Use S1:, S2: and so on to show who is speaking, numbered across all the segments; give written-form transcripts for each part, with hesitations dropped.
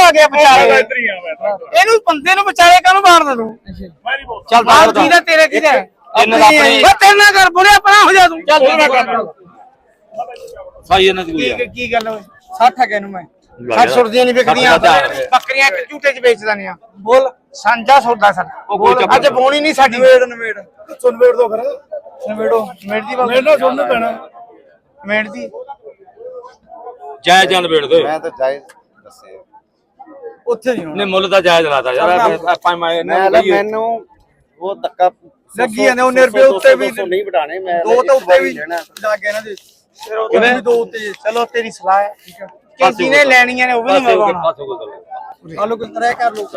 S1: ਆ ਗਿਆ ਵਿਚਾਲੇ ਇਹਨੂੰ ਬੰਦੇ ਨੂੰ ਵਿਚਾਲੇ ਕਾਹਨੂੰ ਮਾਰਦਾ ਤੂੰ ਚੱਲ ਬਾਹਰ ਕੀ ਦਾ ਤੇਰੇ ਕੀ ਦਾ
S2: ਇਹਨਾਂ ਦਾ ਆਪਣੀ
S1: ਤੇਰੇ ਨਾਲ ਕਰ ਬੋਲੇ ਆਪਣਾ ਹੋ ਜਾ ਤੂੰ ਚੱਲ ਤੂੰ ਨਾ ਕਰ
S2: ਸਾਈ ਇਹਨਾਂ ਦੀ ਕੋਈ
S1: ਕੀ ਗੱਲ ਹੋਈ 60 ਹੈਗੇ ਨੂੰ ਮੈਂ 60 ਸੁਰਦੀਆਂ ਨਹੀਂ ਵਿਕਦੀਆਂ ਬੱਕਰੀਆਂ ਇੱਕ ਝੂਟੇ 'ਚ ਵੇਚ ਦਿੰਦੇ ਆ ਬੋਲ ਸਾਂਝਾ ਸੌਦਾ ਸਾਡਾ ਅੱਜ ਬੋਣੀ ਨਹੀਂ ਸਾਡੀ ਨਵੇੜ ਸੁਣਵੇੜ ਦੋ ਫਿਰ ਨਵੇੜੋ ਮੇੜ ਦੀ ਬਾਤ ਮੇੜ ਸੁਣਨ ਪੈਣਾ ਮੇੜ ਦੀ
S2: ਜਾਇਜ਼ ਜਾਂ ਨਵੇੜ ਦੇ
S3: ਮੈਂ ਤਾਂ ਜਾਇਜ਼ ਦੱਸੇ
S1: ਉੱਥੇ ਨਹੀਂ
S2: ਮੁੱਲ ਤਾਂ ਜਾਇਜ਼ ਲਾਤਾ ਯਾਰ ਆਪਾਂ
S3: ਮੈਨੂੰ ਉਹ ਧੱਕਾ
S1: ਲੱਗੀ ਜਾਂਦੇ 19 ਰੁਪਏ ਉੱਤੇ ਵੀ
S3: ਨਹੀਂ ਵਡਾਣੇ ਮੈਂ
S1: ਦੋ ਤਾਂ ਉੱਤੇ ਵੀ ਲੱਗ ਗਏ ਨਾ ਜੀ ਫਿਰ ਉਹ ਵੀ ਦੋ ਉੱਤੇ ਚਲੋ ਤੇਰੀ ਸਲਾਹ ਹੈ ਠੀਕ ਹੈ ਕਿ ਜਿਹਨੇ ਲੈਣੀਆਂ ਨੇ ਉਹ ਵੀ ਨਹੀਂ ਮੰਗਵਾਉਣਾ ਆਲੂ ਕਿਸ ਤਰ੍ਹਾਂ ਕਰ ਲੋ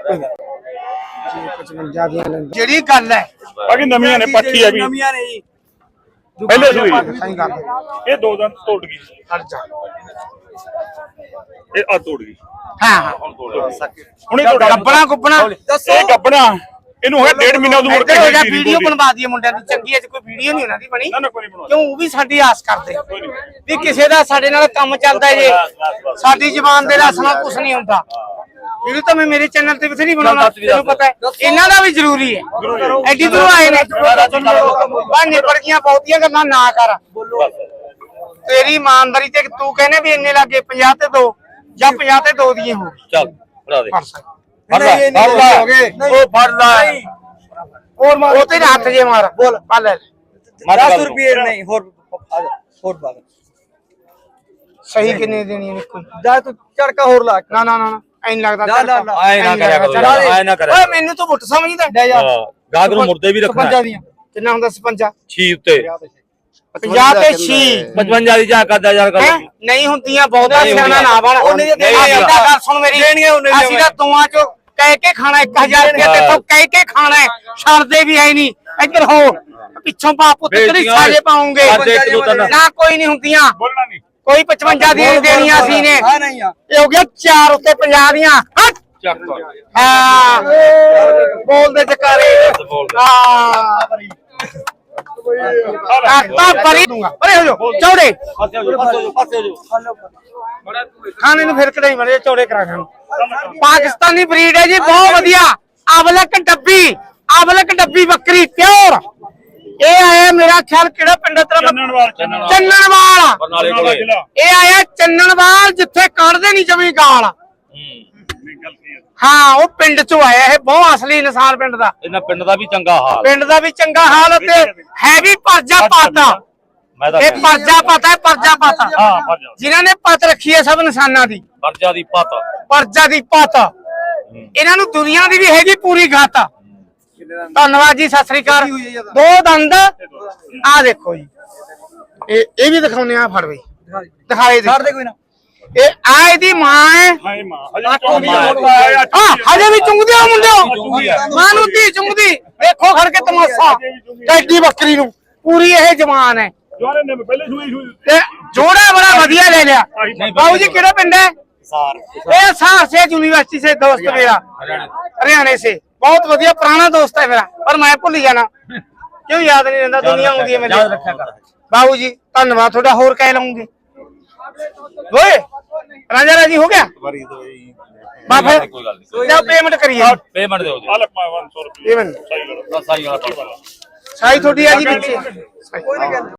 S1: ਜਿਹੜੀ ਗੱਲ ਹੈ
S4: ਬਾਕੀ ਨਵੀਆਂ ਨੇ ਪੱਠੀ ਆ ਵੀ
S1: ਨਵੀਆਂ ਨੇ ਜੀ
S4: ਪਹਿਲੇ ਸੂਈ
S1: ਸਹੀ ਗੱਲ
S4: ਇਹ ਦੋ ਦਿਨ ਤੋੜ ਗਈ
S1: ਹਟ ਜਾ
S4: ਇਹ ਆ ਤੋੜ ਗਈ
S1: ਹਾਂ ਹਾਂ
S4: ਹੁਣੇ ਤੋੜ
S1: ਗੱਬਣਾ ਗੁੱਬਣਾ
S4: ਇਹ ਗੱਬਣਾ ਇਹਨੂੰ ਹੋਇਆ 1.5 ਮਹੀਨਾ ਉਦੋਂ ਮੁੜ ਕੇ
S1: ਵੀਡੀਓ ਬਣਵਾ ਦਈਏ ਮੁੰਡਿਆਂ ਦੀ ਚੰਗੀ ਅੱਜ ਕੋਈ ਵੀਡੀਓ ਨਹੀਂ ਉਹਨਾਂ ਦੀ ਬਣੀ
S4: ਨਾ ਕੋਈ ਨਹੀਂ ਬਣਵਾ
S1: ਕਿਉਂ ਉਹ ਵੀ ਸਾਡੀ ਆਸ ਕਰਦੇ ਵੀ ਕਿਸੇ ਦਾ ਸਾਡੇ ਨਾਲ ਕੰਮ ਚੱਲਦਾ ਜੇ ਸਾਡੀ ਜ਼ਬਾਨ ਦੇ ਰਸਨਾ ਕੁਝ ਨਹੀਂ ਹੁੰਦਾ ਵੀਡੀਓ ਤਾਂ ਮੈਂ ਮੇਰੇ ਚੈਨਲ ਤੇ ਬਥੇਰੀ ਬਣਾਉਣਾ ਤੈਨੂੰ ਪਤਾ ਹੈ ਇਹਨਾਂ ਦਾ ਵੀ ਜ਼ਰੂਰੀ ਹੈ ਐਡੀ ਦੂਰ ਆਏ ਨੇ ਬਾ ਨਿਬੜ ਗਈਆਂ ਬਹੁਤੀਆਂ ਗੱਲਾਂ ਨਾ ਕਰ ਤੇਰੀ ਇਮਾਨਦਾਰੀ ਤੇ ਤੂੰ ਕਹਿੰਦੇ ਵੀ ਇੰਨੇ ਲੱਗੇ 50 ਤੇ 2 ਜਾਂ 50 ਤੇ 2 ਦੀਆਂ ਹੋ
S2: ਚੱਲ ਫੜਾ ਦੇ
S1: ਉਹ ਫੜ ਲੈ ਹੋਰ ਮਾਰ ਉਹ ਤੇਰੇ ਹੱਥ ਜੇ ਮਾਰ ਬੋਲ ਪਾ ਲੈ
S3: 10 ਰੁਪਏ ਨਹੀਂ ਹੋਰ ਬਾਤ
S1: ਸਹੀ ਕਿੰਨੇ ਦੇਣੀ ਹੈ ਕੋਈ
S3: ਜਾ ਤੂੰ ਝੜਕਾ ਹੋਰ ਲਾ
S1: ਨਾ ਨਾ ਨਾ ਐਂ ਲੱਗਦਾ
S2: ਆਏ ਨਾ ਕਰਿਆ ਕਰੋ ਆਏ ਨਾ ਕਰਿਆ
S1: ਓਏ ਮੈਨੂੰ ਤੂੰ ਮੁੱਠ ਸਮਝਦਾ ਡੈ ਜਾ
S2: ਗਾਹਕ ਨੂੰ ਮੁਰਦੇ ਵੀ ਰੱਖਣਾ
S1: 55 ਦੀਆਂ ਕਿੰਨਾ ਹੁੰਦਾ 56
S2: ਛੀ ਉੱਤੇ
S1: 50 ਤੇ 6
S2: 55 ਦੀ ਜਾ ਕਰਦਾ ਯਾਰ ਕਰ
S1: ਨਹੀਂ ਹੁੰਦੀਆਂ ਬਹੁਤਾ ਸਿਆਣਾ ਨਾ ਬਣ ਉਹਨੇ ਗੱਲ ਸੁਣ ਮੇਰੀ ਅਸੀਂ ਤਾਂ ਤੂਆਂ ਚੋਂ ਕਹਿ ਕੇ ਖਾਣਾ 1000 ਰੁਪਏ ਤੇ ਤੋਂ ਕਹਿ ਕੇ ਖਾਣਾ ਛੱਡਦੇ ਵੀ ਐ ਨਹੀਂ ਇੱਧਰ ਹੋ ਪਿੱਛੋਂ ਬਾਪ ਪੁੱਤ ਤੇਰੀ ਸਾਜੇ ਪਾਉਂਗੇ ਨਾ ਕੋਈ ਨਹੀਂ ਹੁੰਦੀਆਂ
S4: ਬੋਲਣਾ ਨਹੀਂ
S1: ਕੋਈ 55 ਦੀਆਂ ਦੇਣੀਆਂ ਸੀ ਨੇ ਇਹ ਹੋ ਗਿਆ 4 ਉੱਤੇ 50 ਦੀਆਂ ਹਾਂ ਬੋਲਦੇ ਜਕਾਰੇ ਹਾਂ ਪਰੇ ਹੋ ਜਾ ਚੌੜੇ ਖਾਣੇ ਨੂੰ ਫਿਰ ਕਢਾਈ ਮਰੇ ਚੌੜੇ ਕਰਾ ਖਾਣ ਪਾਕਿਸਤਾਨੀ ਬਰੀਡ ਹੈ ਜੀ ਬਹੁਤ ਵਧੀਆ ਅਵਲਕ ਡੱਬੀ ਬੱਕਰੀ ਪਿਓਰ ਇਹ ਆਇਆ ਮੇਰਾ ਖਿਆਲ ਕਿਹੜਾ ਪਿੰਡ ਤੇਰਾ ਚੰਨਣਵਾਲ ਇਹ ਆਇਆ ਚੰਨਣਵਾਲ ਜਿੱਥੇ ਕੱਢਦੇ ਨਹੀਂ ਜਮੀ ਗਾਲ ਹਾਂ ਉਹ ਪਿੰਡ ਚੋਂ ਆਇਆ ਇਹ ਬਹੁਤ ਅਸਲੀ ਇਨਸਾਨ ਪਿੰਡ ਦਾ
S2: ਇਹਨਾਂ ਪਿੰਡ ਦਾ ਵੀ ਚੰਗਾ ਹਾਲ
S1: ਤੇ ਹੈ ਵੀ ਪਰਜਾ ਪਾਤਾ ਇਹ ਪਰਜਾ ਪਾਤਾ ਜਿਨ੍ਹਾਂ ਨੇ ਪਤ ਰੱਖੀ ਹੈ ਸਭ ਇਨਸਾਨਾਂ ਦੀ ਪਰਜਾ ਦੀ ਪਤ ਇਹਨਾਂ ਨੂੰ ਦੁਨੀਆ ਦੀ ਵੀ ਹੈਗੀ ਪੂਰੀ ਗਾਤ ਧੰਨਵਾਦ ਜੀ ਸਤਿ ਸ੍ਰੀ ਅਕਾਲ ਦੋ ਦੰਦ ਆ ਦੇਖੋ ਜੀ ਇਹ ਵੀ ਦਿਖਾਉਨੇ ਆ ਫੜ ਬਈ ਦਿਖਾਏ ਦੇ ਕੋਈ ਨਾ ਇਹ ਆ ਇਹਦੀ ਮਾਂ ਹੈ
S4: ਹਾਏ ਮਾਂ
S1: ਹਜੇ ਵੀ ਚੁੰਗਦੇ ਹੋ ਮੁੰਡਿਓ ਮਾਂ ਨੂੰ ਧੀ ਚੁੰਗਦੀ ਦੇਖੋ ਖੜ ਕੇ ਤਮਾਸ਼ਾ ਟੈਡੀ ਬੱਕਰੀ ਨੂੰ ਪੂਰੀ ਇਹ ਜਵਾਨ ਹੈ
S4: ਜਵਾਨ ਨੇ ਪਹਿਲੇ ਸੂਈ
S1: ਤੇ ਜੋੜਾ ਬੜਾ ਵਧੀਆ ਲੈ ਲਿਆ ਬਾਬੂ ਜੀ ਕਿਹੜਾ ਪਿੰਡ ਹੈ ਇਹ सार से यूनिवर्सिटी से दोस्त मेरा हरियाणा से बहुत बढ़िया पुराना दोस्त है मेरा पर मैं भूल जाना क्यों याद नहीं रहता दुनिया आती है मेरे बाबू जी धन्यवाद थोड़ा होर कह लूंगी ओए राजा राजी हो गया पेमेंट करिए
S2: पेमेंट दो
S4: 500 रुपए
S1: पेमेंट साई थोड़ी आ जी